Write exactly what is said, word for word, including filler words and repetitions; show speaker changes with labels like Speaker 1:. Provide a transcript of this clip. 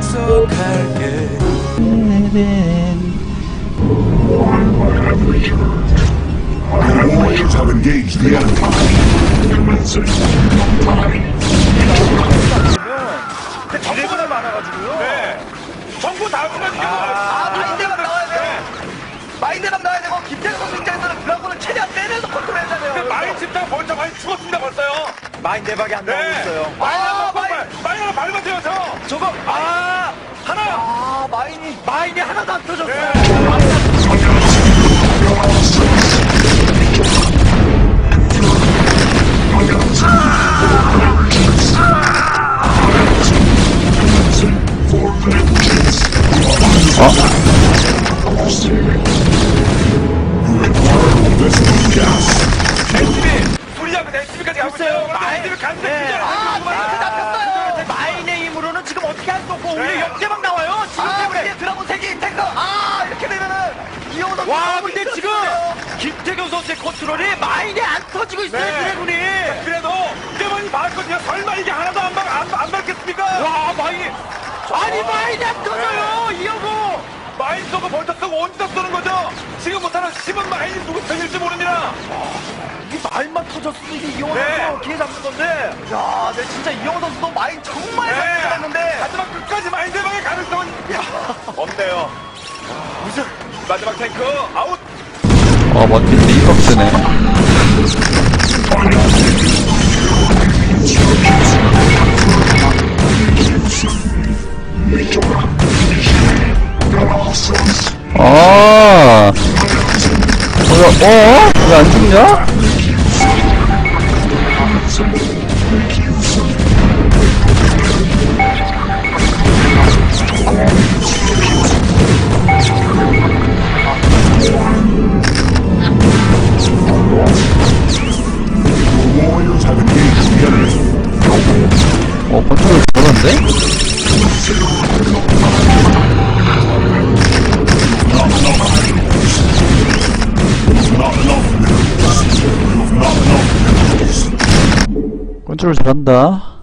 Speaker 1: 약속할게.
Speaker 2: The warriors have engaged the enemy.
Speaker 3: 근데 정보가 많아가지고요.
Speaker 4: 네. 정보 다 쓰면 이거.
Speaker 3: 아, 마인드가 나와야 돼요. 마인드가 나와야 되고, 김태형 선수 입장에서는 드라곤을 최대한 빼내서 컨트롤해야
Speaker 4: 근데
Speaker 3: 돼요.
Speaker 4: 마인 집장 벌써 많이 죽었습니다 벌써요.
Speaker 3: 마인 대박이 안 나오고
Speaker 4: 네.
Speaker 3: 있어요.
Speaker 4: 마인
Speaker 3: 아,
Speaker 4: 하나
Speaker 3: 마인.
Speaker 4: 마인 마인 하나 밟아줘요 저.
Speaker 3: 저거, 아,
Speaker 4: 하나.
Speaker 3: 아, 마인이, 마인이 하나도 안 터졌어요.
Speaker 4: 네. 에스비 우리하고 에스비까지 가고 있어요. 에스비 간대
Speaker 3: 네.
Speaker 4: 그냥.
Speaker 3: 아, 마인이 잡혔어요. 마인의 힘으로는 지금 어떻게 할 수 없고, 오히려
Speaker 4: 네.
Speaker 3: 역대박 나와요. 지금 때문에 드라곤 세기 탱커. 아, 이렇게 되면은, 이영호 선수.
Speaker 5: 와,
Speaker 3: 너무
Speaker 5: 근데 지금
Speaker 3: 힘들었어요.
Speaker 5: 김태경 선수의 컨트롤이 마인이 안 터지고 있어요,
Speaker 4: 네.
Speaker 5: 드래곤이.
Speaker 4: 그래도 이제만이 봤거든요. 설마 이게 하나도 안, 막, 안, 안 밟겠습니까?
Speaker 5: 와, 마인이. 아니, 마인이 안 터져요, 이영호.
Speaker 4: 마인 쏘고 벌써 쏘고 온다 쏘는 거죠. 지금 못하는 심은 마인이 누구 편일지 모릅니다.
Speaker 3: 이 마인만 터졌으면 이게 이영호
Speaker 4: 네.
Speaker 3: 선수 기회 잡는 건데. 야, 내 진짜 이영호 선수도 마인 정말
Speaker 4: 네.
Speaker 3: 잘 잡았는데.
Speaker 4: 하지만 끝까지 마인 대박의 가능성은 야, 없네요. 무슨 마지막 탱크 아웃.
Speaker 6: 어, 멋진데 이박스네. 아, 뭐야, 어? 왜 안 죽냐?
Speaker 2: The warriors have engaged the enemy.
Speaker 6: 어, 컨트롤 잘하는데? 컨트롤 잘한다.